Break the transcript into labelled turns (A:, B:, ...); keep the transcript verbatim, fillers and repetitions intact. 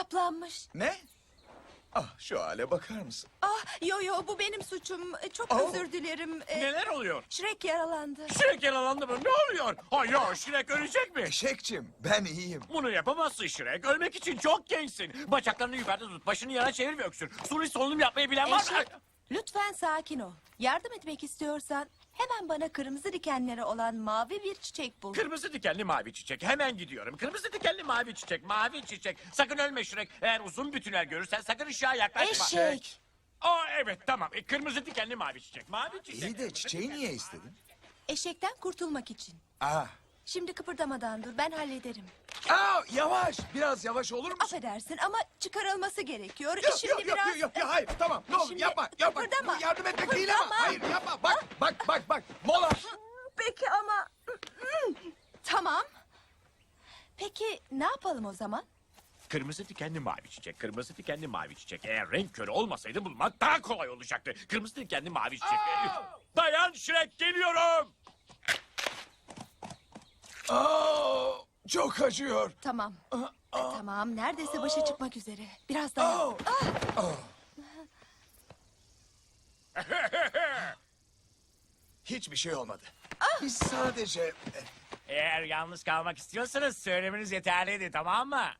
A: kaplanmış.
B: Ne? Ah, şu hale bakar mısın?
A: Ah, yo yo, bu benim suçum. Çok
B: Oh.
A: özür dilerim. Ee,
C: Neler oluyor?
A: Shrek yaralandı.
C: Shrek yaralandı mı? Ne oluyor? Hayır, Shrek ölecek mi?
B: Eşekçim, ben iyiyim.
C: Bunu yapamazsın Shrek. Ölmek için çok gençsin. Bacaklarını yukarıda tut, başını yana çevir ve öksür. Suni solunum yapmayı bilen var mı?
A: Eşek, lütfen sakin ol. Yardım etmek istiyorsan hemen bana kırmızı dikenleri olan mavi bir çiçek bul.
C: Kırmızı dikenli mavi çiçek. Hemen gidiyorum. Kırmızı dikenli mavi çiçek. Mavi çiçek. Sakın ölme Shrek. Eğer uzun bir tünel görürsen sakın ışığa yaklaşma.
A: Eşek.
C: Aa evet tamam. E, kırmızı dikenli mavi çiçek. Mavi çiçek.
B: İyi de çiçeği niye istedin?
A: Eşekten kurtulmak için.
B: Ah.
A: Şimdi kıpırdamadan dur, ben hallederim.
B: Aa, yavaş, biraz yavaş olur musun?
A: Affedersin ama çıkarılması gerekiyor.
B: Yok,
A: Şimdi
B: yok, yok,
A: biraz...
B: yok, yok, yok, hayır, tamam, ne olur
A: Şimdi
B: yapma, yapma.
A: kıpırdama,
B: Bu yardım etmek değil ama,
A: kıpırdama.
B: hayır yapma, bak, bak, bak, bak, mola.
A: Peki ama... Tamam. Peki ne yapalım o zaman?
C: Kırmızı dikenli mavi çiçek. Kırmızı dikenli mavi çiçek. Eğer renk körü olmasaydı bulmak daha kolay olacaktı. Kırmızı dikenli mavi çiçek. Dayan Shrek geliyorum.
B: Aa, çok acıyor.
A: Tamam.
B: Aa, aa,
A: Tamam, neredeyse başa çıkmak üzere. Biraz dayan.
B: aa. Aa. Hiçbir şey olmadı. Biz sadece...
C: Eğer yalnız kalmak istiyorsanız söylemeniz yeterliydi tamam mı?